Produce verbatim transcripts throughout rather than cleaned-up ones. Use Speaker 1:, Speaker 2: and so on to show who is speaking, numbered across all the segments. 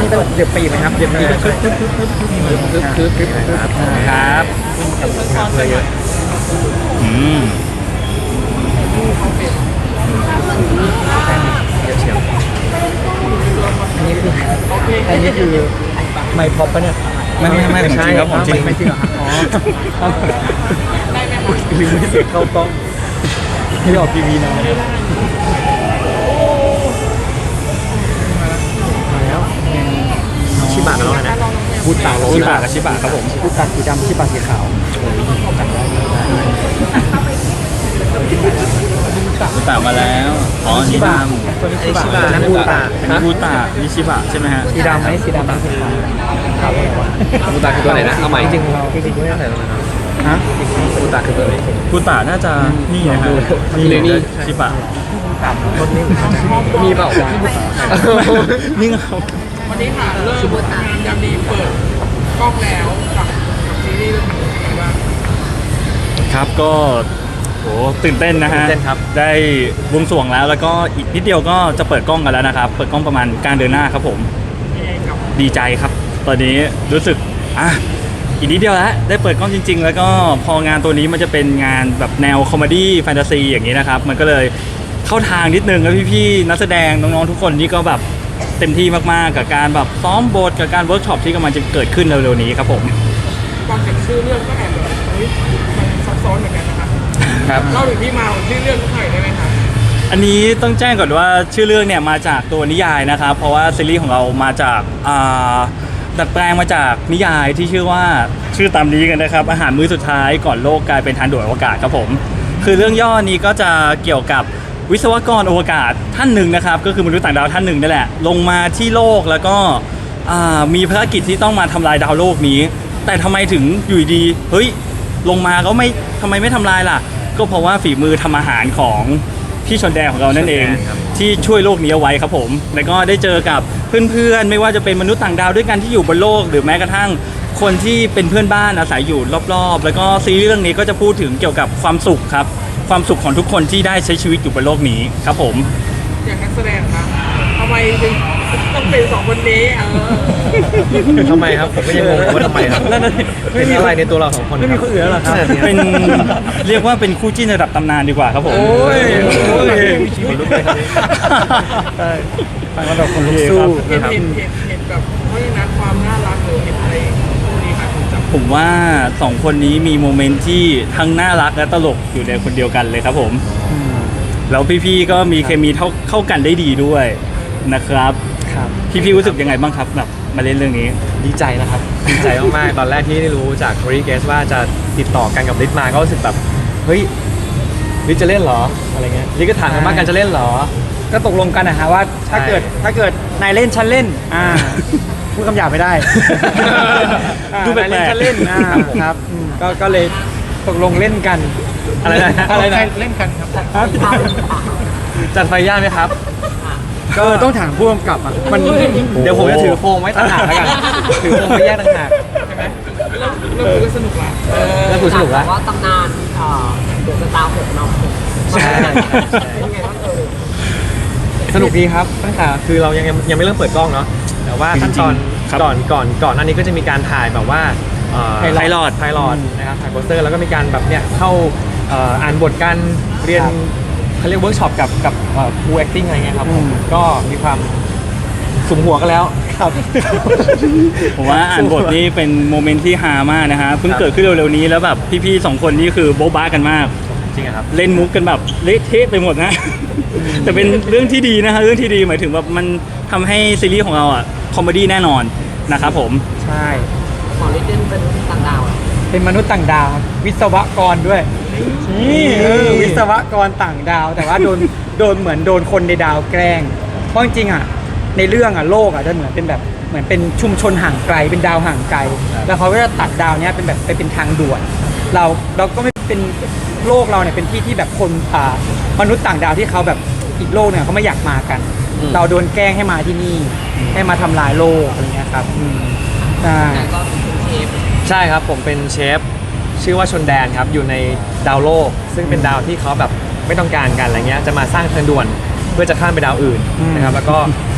Speaker 1: นี่ต้องเดือบปีไหมครับเดือบปีคือคือคือคือครับครับเพื่อเยอะ
Speaker 2: อืม
Speaker 1: เยอะเชียวอันนี้คืออันนี้คือไมค์พ็อปปะเนี่ย
Speaker 2: ไม่ไม่ไม่ของจริงครับของจริง
Speaker 1: ไม่จริงเหรอครับอ๋อลืมไม่เสียเข้ากล้องที่ออกทีวีนะมาแล้วชิบะแล้วนะพูดตาโร
Speaker 2: ชิบะกับชิบะครับผม
Speaker 1: พูดตาสีดำชิบะสีขาว
Speaker 2: บูตะมาแล้วอ๋อนี่ดำ
Speaker 1: ตัวนี้ชิบะนั่นบูตา
Speaker 2: อันนี้บูตะนี่ชิบะใช่ไหมฮะ
Speaker 1: สีดำไหมสีดำสีขาวครับ
Speaker 3: บูตาคือตัวไหนนะเอาใหม่
Speaker 1: จริงเราจริงด้วยอะไรนะฮะ
Speaker 3: บูตาคือตัวไหน
Speaker 2: บูตะน่าจะนี่นะฮะ
Speaker 3: นี่นี่
Speaker 2: ชิบะ
Speaker 1: ต่ำรถนี่
Speaker 3: มีเปล่า
Speaker 2: นี่ครับ
Speaker 4: วันนี้ค่ะเริ่มงานยามดีเปิดกล้องแล้วกับซีรีส์เรื่องนี้เป็นไงบ้าง
Speaker 2: ครับก็โหตื่นเต้นนะฮะได้วงสวงแล้วแล้วก็อีกนิดเดียวก็จะเปิดกล้องกันแล้วนะครับเปิดกล้องประมาณกลางเดือนหน้าครับผมดีใจครับตอนนี้รู้สึกอ่ะอีกนิดเดียวแล้วได้เปิดกล้องจริงๆแล้วก็พองานตัวนี้มันจะเป็นงานแบบแนวคอมเมดี้แฟนตาซีอย่างนี้นะครับมันก็เลยเข้าทางนิดนึงแล้วพี่ๆนักแสดงน้องๆทุกคนนี่ก็แบบเต็มที่มากๆกับการแบบซ้อมบทกับการเวิร์กช็อปที่กำลังจะเกิดขึ้นเร็วๆนี้ครับผม
Speaker 4: ฟังจากชื่อเรื่องก็แอบแบบเฮ้ยมันซับซ้อนเหมือนกันนะครับ
Speaker 2: ครับ
Speaker 4: เล่าถึงที่มาของชื่อเรื่องหน่อยได้ไหมครับ
Speaker 2: อันนี้ต้องแจ้งก่อนว่าชื่อเรื่องเนี่ยมาจากตัวนิยายนะครับเพราะว่าซีรีส์ของเรามาจากดัดแปลงมาจากนิยายที่ชื่อว่าชื่อตามนี้กันนะครับอาหารมื้อสุดท้ายก่อนโลกกลายเป็นทางด่วนอวกาศครับผมคือเรื่องย่อนี้ก็จะเกี่ยวกับวิศวกรอวกาศท่านหนึ่งนะครับก็คือมนุษย์ต่างดาวท่านหนึ่งนั่นแหละลงมาที่โลกแล้วก็มีภารกิจที่ต้องมาทำลายดาวโลกนี้แต่ทำไมถึงอยู่ดีเฮ้ยลงมาก็ไม่ทำไมไม่ทำลายล่ะก็เพราะว่าฝีมือทำอาหารของพี่ชนแดงของเรานั่นเองที่ช่วยโลกนี้เอาไว้ครับผมแล้วก็ได้เจอกับเพื่อนๆไม่ว่าจะเป็นมนุษย์ต่างดาวด้วยกันที่อยู่บนโลกหรือแม้กระทั่งคนที่เป็นเพื่อนบ้านอาศัยอยู่รอบๆแล้วก็ซีรีส์เรื่องนี้ก็จะพูดถึงเกี่ยวกับความสุขครับความสุขของทุกคนที่ได้ใช้ชีวิตอยู่บนโลกนี้ครับผม
Speaker 4: อย่างนักแสดงครับทำไมถึงต้องเป็นสองคนนี้เออ
Speaker 3: ทำไมครับผมก็ยังงงว่าทำไมครับไม่มีอะไรในตัวเราสองคน
Speaker 1: ไม่มีคนอื่นแล้วหรอครับ
Speaker 2: เป็นเรียกว่าเป็นคู่จิ้นระดับตำนานดีกว่าครับผม
Speaker 3: โอ้ยโอ้ยคนลุกเลยครับ
Speaker 1: ใช่ฟังแล้วแบบคนลุกสู้
Speaker 4: เห็นเห็นเห็นเห็นแบบเพราะฉะนั้นความน่ารักหรือเห็นอะไรพวกนี้ครับ
Speaker 2: ผมว่าสองคนนี้มีโมเมนต์ที่ทั้งน่ารักและตลกอยู่ในคนเดียวกันเลยครับผมแล้วพี่ๆก็มีเคมีเข้ากันได้ดีด้วยนะครับ
Speaker 1: ครับ
Speaker 2: พี่ๆรู้สึกยังไงบ้างครับแบบมาเล่นเรื่องนี้
Speaker 3: ดีใจนะครับดีใจมากๆตอนแรกที่ได้รู้จากโครีเกสว่าจะติดต่อกันกับลิศมาก็รู้สึกแบบเฮ้ยลิศจะเล่นเหรออะไรเงี้ยลิศก็ถามกันว่ากันจะเล่นเหรอ
Speaker 1: ก็ตกลงกันนะฮะว่าถ้าเกิดถ้าเกิดนายเล่นฉันเล่นอ่าพูดคำหยาบไม่ได้
Speaker 2: ดูแปลกๆ
Speaker 1: ฉันเล่นครับก็ก็เลยตกลงเล่นกัน
Speaker 3: อะไรนะ
Speaker 1: อะไรนะเล่นกันครับ
Speaker 3: จัดไฟย่าไหมครับ
Speaker 1: ก็ต้องถามผู้กำกับอ่ะมัน
Speaker 3: เดี๋ยวผมจะถือโฟมไว้ต่างหากแล้วกันถือโฟมไปแยกต่างหาก
Speaker 4: ใช่ไหมเริ่มคุยสนุกละ
Speaker 3: เริ่มคุยสนุกละ
Speaker 5: ว่าตำนานเดอะสตาร์หกเนาะ
Speaker 3: ใช่สนุกดีครับตั้งแต่คือเรายังยังไม่เริ่มเปิดกล้องเนาะแต่ว่าขั้นตอนก่อนก่อนก่อนหน้านี้ก็จะมีการถ่ายแบบว่า
Speaker 2: ไพลอต
Speaker 3: ไพลอตนะครับถ่ายโปสเตอร์แล้วก็มีการแบบเนี่ยเข้าอ่านบทการเรียนเขาเรียกเวิร์กช็อปกับกับครู acting อะไรเงี้ยครับก็มีความสุมหัวกันแล้ว
Speaker 1: ครับ
Speaker 2: ผมว่าอ่านบทนี้เป็นโมเมนต์ที่ฮามากนะฮะเพิ่งเกิดขึ้นเร็วๆนี้แล้วแบบพี่ๆสองคนนี่คือโบ๊ะบ้ากันมาก
Speaker 3: จริงครับ
Speaker 2: เล่นมุกกันแบบเละเทะไปหมดนะแต่เป็นเรื่องที่ดีนะฮะเรื่องที่ดีหมายถึงแบบมันทำให้ซีรีส์ของเราอ่ะคอมเมดี้แน่นอนนะครับผม
Speaker 1: ใช่
Speaker 5: หมอลิเดนเป็นต่างดาว
Speaker 1: เป็นมนุษย์ต่างดาววิศวกรด้วยนี่วิศวกรต่างดาวแต่ว่าโดนโดนเหมือนโดนคนในดาวแกล้งเพราะจริงๆอ่ะในเรื่องอ่ะโลกอ่ะจะเหมือนเป็นแบบเหมือนเป็นชุมชนห่างไกลเป็นดาวห่างไกลแล้วเขาก็จะตัดดาวเนี้ยเป็นแบบไปเป็นทางด่วนเราเราก็ไม่เป็นโลกเราเนี่ยเป็นที่ที่แบบคนอ่ามนุษย์ต่างดาวที่เขาแบบอีกโลกเนี่ยเขาไม่อยากมากันเราโดนแกล้งให้มาที่นี่ให้มาทำลายโลกอะไรเงี้ยครับใช่
Speaker 3: ใช่ครับผมเป็นเชฟชื่อว่าชนแดนครับอยู่ในดาวโลกซึ่งเป็นดาวที่เขาแบบไม่ต้องการกันอะไรเงี้ยจะมาสร้างทางด่วนเพื่อจะข้ามไปดาวอื่นนะครับแล้วก็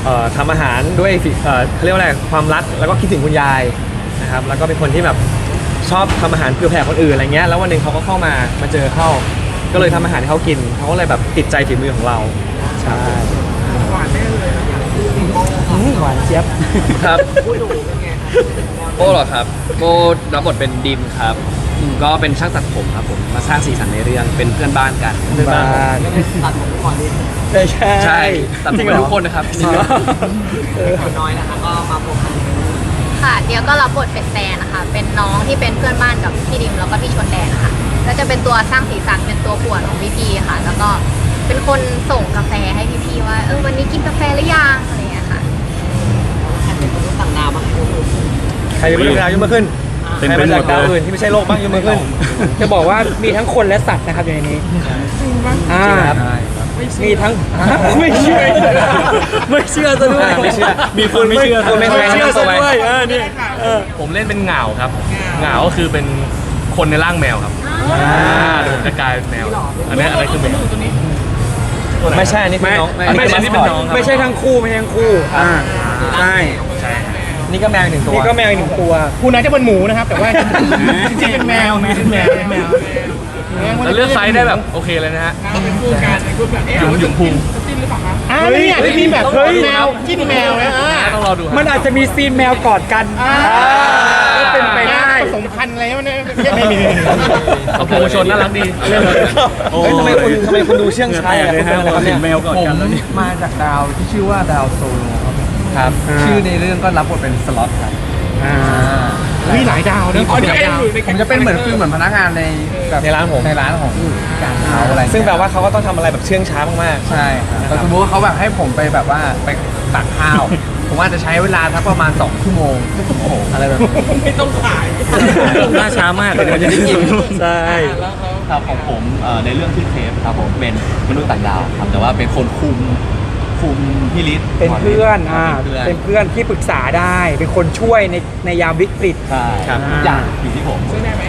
Speaker 3: เอ่อทำอาหารด้วยฝีเอ่อเขาเรียกว่าอะไรความรักแล้วก็คิดถึงคุณยายนะครับแล้วก็เป็นคนที่แบบชอบทำอาหารเผื่อแผ่คนอื่นอะไรเงี้ยแล้ววันหนึ่งเขาก็เข้ามามาเจอเข้า ก็เลยทำอาหารให้เขากินเขาก็เลยแบบติดใจฝีมือของเรา
Speaker 1: ใช่
Speaker 4: หวานแน่เลยนะ
Speaker 1: อืมหวานเจี๊ยบ
Speaker 6: ครับ
Speaker 5: ผู้ดูเป็นไงคะ
Speaker 6: โก้เหรอครับโก้รับบทเป็นดิมครับอืมก็เป็นช่างตัดผมครับผมมาสร้างสีสันในเรื่องเป็นเพื่อนบ้านกัน
Speaker 1: เพื่อนบ้าน
Speaker 5: ตัดผมก่อนนิด
Speaker 1: ไม่ใช่
Speaker 6: ใช่ตัดผ
Speaker 1: จริ
Speaker 6: ม
Speaker 1: งเหรอ
Speaker 6: ทุกคนนะครับ
Speaker 5: ขอน้อยนะคะก็มาพบกัน
Speaker 7: ค่ะเดียวก็รับบทเป็นแฟนนะคะ เป็นน้องที่เป็นเพื่อนบ้านกับพี่ดิมแล้วก็พี่ชนแดนนะคะก็จะเป็นตัวสร้างสีสันเป็นตัวป่วนของพี่พีค่ะ แล้วก็เป็นคนส่งกาแฟให้พี่พีว่าเออวันนี้กินกาแฟหรือยังอะไรอย่างเงี้ยค่ะ
Speaker 5: แอบเป็นมนุษย์ต่างดาวมาให้ดู
Speaker 3: ใครเป็นเรื่องราวยุ่งมาขึ้น
Speaker 2: เต็ม
Speaker 3: ใคร
Speaker 2: ไป
Speaker 3: มา
Speaker 2: หม
Speaker 3: จาก
Speaker 2: ด
Speaker 3: ดาว
Speaker 2: เลย
Speaker 3: อื่นที่ไม่ใช่โลกบ้างยุ่งมาขึ้น
Speaker 1: จะบอกว่ามีทั้งคนและสัตว์นะครับอยู่ในนี้อ่า
Speaker 3: จริงครับ
Speaker 1: มีทั้งไม่เชื่อไม่เชื่อซะด้วย
Speaker 3: ไม่เชื่อ
Speaker 2: มีคนไม่เชื่อ
Speaker 3: คนไม่
Speaker 2: ไม่
Speaker 3: เชื่
Speaker 2: เชื่
Speaker 3: อ
Speaker 2: อซะด้วยเออนี่
Speaker 3: ผมเล่นเป็นเหงาครับเหงาก็คือเป็นคนในร่างแมวครับเดี๋ยวผมจะกลายเป็นแมว อันนี้อะไรคือแมวไม่ใช่อันนี้คือน้อง
Speaker 1: ไม่
Speaker 3: อันนี้เป็นน้องครับ
Speaker 1: ไม่ใช่ทั้งคู่ไม่ใช่ทั้งคู่อ่าใช่
Speaker 3: ใช่นี่ก็แมวอีกหนึ่งตัว
Speaker 1: นี่ก็แมวอีกหนึ่งตัว
Speaker 8: คุณอาจจะเป็นหมูนะครับ แต่ว่าจริงๆเป็นแมวแมวแมวแมว
Speaker 3: แล้วเลือกไซส์ได้แบบโอเคเลยนะฮะ
Speaker 4: เราเป็นคู่กันเป็นคู่แบบเอ๊ะ
Speaker 3: หยุมหยุมพุง
Speaker 4: จิ้นหรือเปล่าคะ
Speaker 8: อ่านี่อาจจะมีแบบแมวจิ้นแมวนะอ่า
Speaker 3: ต้องรอดู
Speaker 1: มันอาจจะมีซีนแมวกอดกันก็เป็นไปได้
Speaker 8: ผสมพันธุ์อะไรวะเนี่ยไม่มี
Speaker 3: ขอบคุณผู้ชมน่ารักดีเล่นเลย
Speaker 2: โอ้
Speaker 3: เฮ้ยทำไมคุณทำไมคุณดูเชื่องช้า
Speaker 2: แตก
Speaker 3: อะ
Speaker 2: เลย
Speaker 3: คุณ
Speaker 2: ฮะ
Speaker 3: เป็นอะไรครับ
Speaker 2: เห็
Speaker 3: เนี่ย
Speaker 2: นแมวกอดกันแล้วนี่
Speaker 9: มาจากดาวที่ชื่อว่าดาวโซโลครับ
Speaker 3: ครับ
Speaker 9: ชื่อในเรื่องก็รับบทเป็นสล็อตครับ
Speaker 1: อ่า
Speaker 8: มีหลายดาวนะ
Speaker 4: อ๋อนี่
Speaker 8: หลาย
Speaker 4: เอ็น
Speaker 8: ดาว
Speaker 4: อยู่ใน
Speaker 9: ผมจะเป็นเหมือนฟิลเหมือนพนักงานในแบบ
Speaker 3: ในร้านผม
Speaker 9: ในร้านของการเขาอะไร
Speaker 3: ซึ่งแปลว่าเขาก็ต้องทำอะไรแบบเชื่องช้ามาก
Speaker 9: ใช่ครับแต่สมมติว่าเขาแบบให้ผมไปแบบว่าไปตักข้าว ผมอาจจะใช้เวลาทักประมาณสองชั่วโมงอะไรแบบนี้
Speaker 4: ไม่ต้องขาย
Speaker 2: น่าช้ามากเลยนะจะได้กินใช่
Speaker 4: แล้วเขา
Speaker 6: ครับของผมเอ่อในเรื่องชื่อเทปครับผมเป็นมนุษย์ต่างดาวครับแต่ว่าเป็นคนคุมคุมพี่ลิศ
Speaker 1: เป็นเพื่อนอ่า
Speaker 6: เป็นเพื่อน
Speaker 1: เป็นเพื่อนที่ปรึกษาได้ เป็นคนช่วยในในยามวิกฤต
Speaker 6: ใช่
Speaker 1: ครับ
Speaker 6: ทุกอย่างอยู่ที่ผม
Speaker 4: ช่วยได้ไหม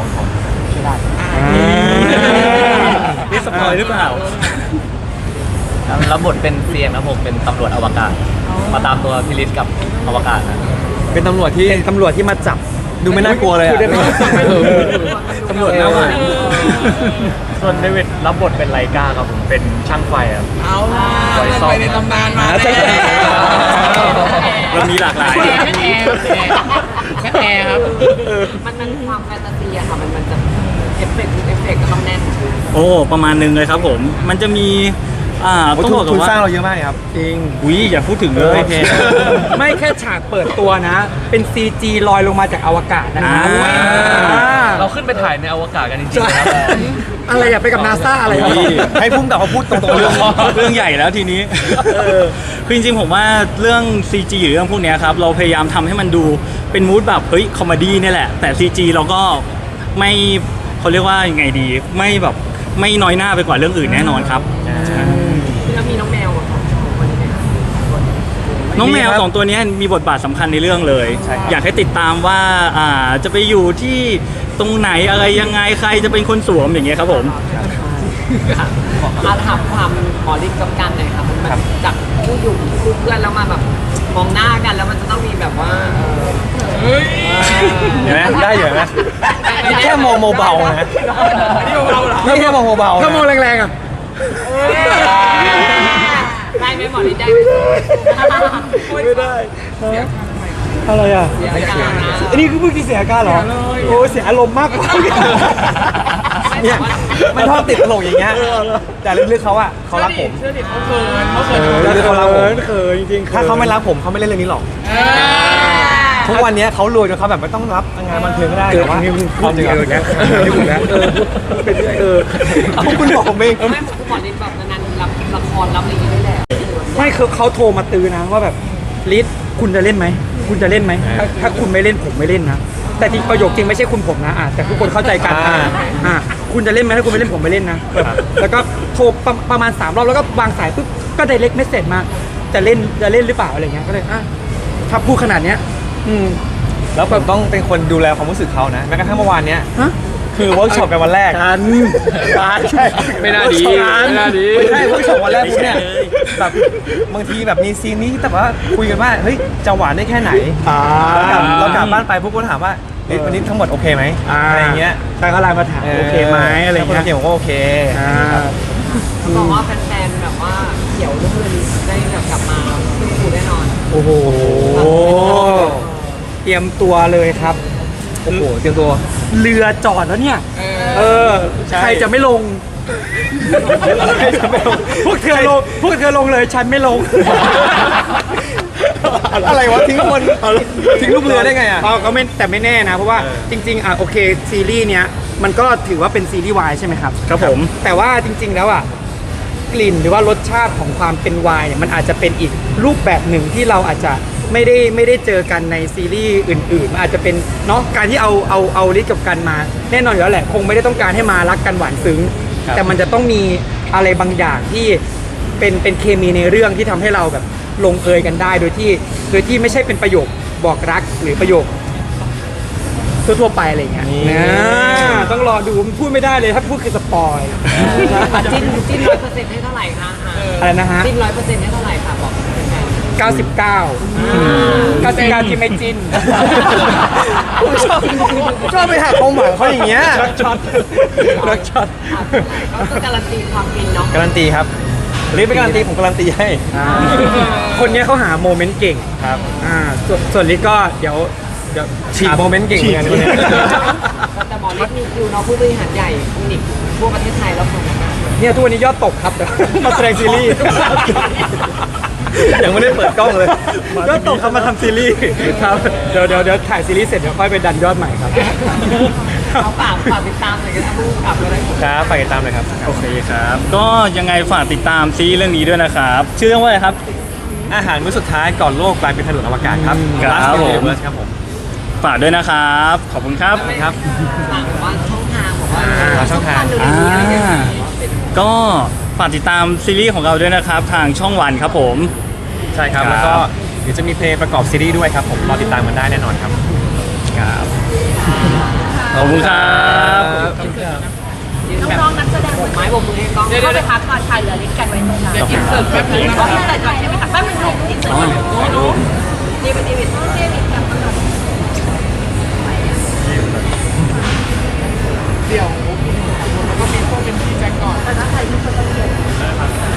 Speaker 2: นี่สปอยหรือเปล่า
Speaker 6: รับบทเป็นเซียงนะผมเป็นตำรวจอวกาศมาตามตัวพี่ลิศกับอวกาศนะ
Speaker 3: ๆ เป็นตำรวจที่
Speaker 1: เป็นตำรวจที่มาจับ
Speaker 3: ดูไม่น่ากลัวเลย
Speaker 1: พูดได้
Speaker 3: อ่ะ
Speaker 1: ไหม
Speaker 3: ตำรวจหน้าหวาน
Speaker 6: ส่วนเดวิดรับบทเป็นไลกาครับผมเป็นช่างไฟครับ
Speaker 4: เอาล่ะเราไปในตำนานมา
Speaker 1: ใช่
Speaker 4: แน่
Speaker 2: มันมีหลากหลาย
Speaker 8: แอร์แอร์แอร์แอร์ครับ
Speaker 5: มันมันความแฟนตาซีอะค่ะมันมันจะเอฟเฟกต์เอฟเฟกต์ก็ต้องแน่น
Speaker 2: โอ้ประมาณหนึงเลยครับผม มันจะมีอ่า
Speaker 3: โอ้
Speaker 2: ต้อง
Speaker 3: ทุน
Speaker 2: บอกกั
Speaker 3: ทุ
Speaker 2: น
Speaker 3: น
Speaker 2: ว่า
Speaker 3: สร้างเราเยอะมากเลยครับ
Speaker 1: จริง
Speaker 2: อุ้ยอย่าพูดถึงเลย
Speaker 3: โอเค
Speaker 1: ไม่แค่ฉากเปิดตัวนะ เป็น ซี จี ลอยลงมาจากอวกาศนะ
Speaker 2: อ่า
Speaker 1: อ่า
Speaker 3: เราขึ้นไปถ่ายในอวกาศกันจริงๆครับ
Speaker 1: อะไรอย่าไปกับนาซาอะไร
Speaker 2: อุ้ย
Speaker 3: ให้พุ่มกับเขาพูดตรงๆ
Speaker 2: เรื่
Speaker 3: เรื่
Speaker 2: อ
Speaker 3: อง ง
Speaker 2: เรื่องใหญ่แล้วทีนี้คือจริงๆผมว่าเรื่อง ซี จี หรือเรื่องพวกเนี้ยครับ เราพยายามทำให้มันดูเป็นมูดแบบเฮ้ยคอมเมดี้เนี่ยแหละ แต่ ซี จี เราก็ไม่เขาเรียกว่ายังไงดี ไม่แบบไม่น้อยหน้าไปกว่าเรื่องอื่นแน่นอนครับ
Speaker 5: แล้วมีน้องแมวอะค่ะคนนี้ไหมคะ
Speaker 2: น้องแมวสองตัวเนี้ยมีบทบาทสำคัญในเรื่องเลย อยากให้ติดตามว่าอ่าจะไปอยู่ที่ตรงไหนอะไรยังไงใครจะเป็นคนสวมอย่างเงี้ยครับผม
Speaker 5: อาถามความหมอฤทธิ์กับกันหน่อยค่ะมันมันจากคู่อยู่คู่เพื่อนแล้วมาแบบมองหน้ากันแล้วมันจะต้องมีแบบว่าเออ
Speaker 4: เฮ้ย
Speaker 3: เห็นไหมได้อยู่ไหมนี่แค่มองเบาๆนะ
Speaker 4: นี่เบาๆเหรอ
Speaker 3: นี่แค่มองเบาๆนะ
Speaker 1: ถ้ามองแรงๆอ่ะ
Speaker 5: ได้ไหมหมอฤทธิ์ได้ไหม
Speaker 1: ไม่ได้อะไรอ่ะ
Speaker 5: เสียการนะ
Speaker 1: อันนี้คือเพิ่งที่เสียอาการเหรอ โอ้เสียอารมณ์มากกว่า
Speaker 3: เนี่ยมันชอบติดตลกอย่างเงี้ยแต่ลึกๆเขาอ่ะเขารักผม
Speaker 4: เชื่อดิเขาเขินเขาเขิน
Speaker 3: เออแล้วเขารักผม
Speaker 1: เขินจริงๆ
Speaker 3: ถ้าเขาไม่รักผมเขาไม่เล่นเรื่องนี้หรอก ทุกวันนี้เขารวยจนเขาแบบไม่ต้องรับงานบันเทิงก็ได้
Speaker 1: เกิด
Speaker 3: แต่ว่า
Speaker 1: นี่มึงพูดจริง
Speaker 3: เอ
Speaker 1: เอ
Speaker 3: อ
Speaker 1: อ
Speaker 3: เนี่
Speaker 1: เนี่ย ยนะเออเป็นเออ
Speaker 3: เอาคุณบอกผมเอง
Speaker 5: ไม่หมอฤทธิ์แบบนานๆรับละครรับอะไรอย่างนี้ได้แหละ
Speaker 1: ไม่คือเขาโทรมาตือนะว่าแบบลิศคุณจะเล่นไหมคุณจะเล่นไหมถ้าถ้าคุณไม่เล่นผมไม่เล่นนะแต่จริงประโยคจริงไม่ใช่คุณผมนะอ่ะแต่ทุกคนเข้าใจกัน
Speaker 3: อ่า
Speaker 1: อ่ะคุณจะเล่นไหมถ้าคุณไม่เล่นผมไม่เล่นนะแบบแล้วก็โทรประประมาณสามรอบแล้วก็วางสายปุ๊บก็ไดเรกเมสเซจมาจะเล่นจะเล่นหรือเปล่าอะไรเงี้ยก็เลยอ่ะถ้าพูดขนาดเนี้ยอืม
Speaker 3: แล้วผมต้องเป็นคนดูแลความรู้สึกเขานะแม้กระทั่งเมื่อวานเนี้ย
Speaker 1: ฮะ
Speaker 3: คือเวิร์กช็อปกันวันแรก
Speaker 1: กันกันใช่
Speaker 6: ไม่น่าดี
Speaker 1: กัน
Speaker 6: ไม่น่าดี
Speaker 3: ไม่ใช่เวิร์กช็อปวันแรกปุ๊บเนี่ยแบบบางทีแบบมีซีนนี้แต่ว่าคุยกันว่าเฮ้ยจะหวานได้แค่ไหน
Speaker 1: อ่า
Speaker 3: เรากลับเรากลับบ้านไปปุ๊บก็ถามว่าเฮ้ยวันนี้ทั้งหมดโอเคไหม
Speaker 1: อ่า
Speaker 3: อะไรอย่างเงี้ย
Speaker 1: ใช่เขาไลน์มาถามโอเคไหมอะไรอย่าง
Speaker 3: ถ้า
Speaker 1: เงี้ย
Speaker 3: คนโอเคผมก็โอเค
Speaker 1: อ่า
Speaker 5: เขาบอกว่าแฟนๆแบบว่าเขียวลูกเรือได้แบบกลับมาขึ้นฟูแน่นอน
Speaker 1: โอ้โหเตรียมตัวเลยครับ
Speaker 3: โอ้โหเตรียมตัว
Speaker 1: เรือจอดแล้วเนี่ย เออ
Speaker 3: ใช่
Speaker 1: ใครจะไม่ลง
Speaker 3: ใครจะไม่ลง
Speaker 1: พวกเธอลง พวกเธอลงเลย ฉันไม่ลง
Speaker 3: อะไรวะทิ้งคนทิ้งลูกเรือได้ไงอ่ะ
Speaker 1: ก็ไม่แต่ไม่แน่นะ เพราะว่า
Speaker 3: เออ
Speaker 1: จริง ๆ อ่ะโอเคซีรีส์เนี้ยมันก็ถือว่าเป็นซีรีส์วายใช่ไหมครับ
Speaker 2: ครับผม
Speaker 1: แต่ว่าจริง ๆ แล้วอ่ะกลิ่นหรือว่ารสชาติของความเป็นไวน์เนี่ยมันอาจจะเป็นอีกรูปแบบหนึ่งที่เราอาจจะไม่ได้ไม่ได้เจอกันในซีรีส์อื่นๆมันอาจจะเป็นเนาะการที่เอาเอาเอาลิศกับกันมา แน่นอนอยู่แล้วแหละคงไม่ได้ต้องการให้มารักกันหวานซึ้ง
Speaker 3: ครับ
Speaker 1: แต่มันจะต้องมีอะไรบางอย่างที่เป็นเป็นเคมีในเรื่องที่ทำให้เราแบบลงเอยกันได้โดยที่โดยที่ไม่ใช่เป็นประโยคบอกรักหรือประโยคทั่วๆไปอะไรอย่างเงี้ย
Speaker 3: นี่
Speaker 1: นะต้องรอดูพูดไม่ได้เลยถ้าพูดคือสปอย
Speaker 5: อ่ะจิ้นจิ้นร้อยเปอร์เซ็นต์ให้เท่าไหร่คะอ่ะ
Speaker 1: อะไรนะฮะ
Speaker 5: จิ้นร้อยเปอร์เซ็นต์ให้เท่าไหร่คะบอกแฟน
Speaker 1: เก้าสิบเก้า เก้าสิบเก้าที่ไม่จิ้น
Speaker 3: ผมชอบชอบไปหักความหวังเขาอย่างเงี้ย
Speaker 1: รักช็อตรักช็อต
Speaker 5: ๆอ่ะก็การันตีความฟินเนาะ
Speaker 3: การันตีครับรีบไปการันตีผมการันตีให้
Speaker 1: คนเนี้ยเขาหาโมเมนต์เก่ง
Speaker 3: ครับ
Speaker 1: อ่าส่วนส่วนลิศก็เดี๋ยวเดี๋ยว
Speaker 3: ฉีกโมเมนต์เก่งเหมือนกันคนเนี้ย
Speaker 5: แต่หมอฤทธิ์มีคิวเนาะผู้บริหารใหญ่คลินิกทั่วประเทศไทยแล้วคนนะคะ
Speaker 1: เนี่ยทุกวันนี้ยอดตกครับเดี๋ยวมาแสดงซีรีส์
Speaker 3: ยังไม่ได้เปิดกล้องเลย
Speaker 1: ยอดตกครับมาทำซีรีส์ครับเดี๋ยวเดี๋ยวเดี๋ยวถ่ายซีรีส์เสร็จเดี๋ยวค่อยไปดันยอดใหม่ครับ
Speaker 5: เขาฝากฝากติดตามหน่อยกันนะผู้กำกับอะไร
Speaker 3: ครับฝากติดตามเลยครับ
Speaker 2: โอเคครับ ก็ยังไงฝากติดตามซีรีส์เรื่องนี้ด้วยนะครับ ชื่อเรื่องว่าอะไรครับ
Speaker 3: อาหารมื้อสุดท้ายก่อนโลกกลายเป็นถนนอวกาศครับ
Speaker 2: ครับ
Speaker 3: Last
Speaker 2: ผม
Speaker 3: Universe ครับผม
Speaker 2: ฝากด้วยนะครับ ขอบคุณครับ
Speaker 3: ครับ
Speaker 5: ฝากแบบว่าช่องทางบอกว่า
Speaker 3: อ่าช่องทาง
Speaker 5: ดูดีๆอะไรอย่างเงี้ย
Speaker 2: อ่า ก็ฝากติดตามซีรีส์ของเราด้วยนะครับ ทางช่องวันครับผม
Speaker 3: ใช่ครับ
Speaker 2: ครับ
Speaker 3: แล้วก็เดี๋ยวจะมีเพลงประกอบซีรีส์ด้วยครับผมรอติดตามกันได้แน่นอนครับ
Speaker 2: ครับ ขอบคุณครับ
Speaker 7: น้องๆนักแสดง
Speaker 5: ไม้บกมือให้กล้อง
Speaker 7: เข้าไปพักก่อนค่ะเหลือลิสต์กันไว้ตรงนั้น
Speaker 4: เดี๋ยวกินเสิร์ฟแป๊บนึงนะ
Speaker 7: ก็
Speaker 4: คะ
Speaker 7: ไม่แต่ก่อนใช่ไหมคะแป๊บนึงค่ะลิสต์เสร็จแล้วดีเป็นดีวิดเจวิดกลับมาก่อน
Speaker 4: เดี๋ยวแล้วก็มีพวกเป็นพี่แจ็คก่อน
Speaker 7: แต่ถ้าใครที่คนต้องเรียน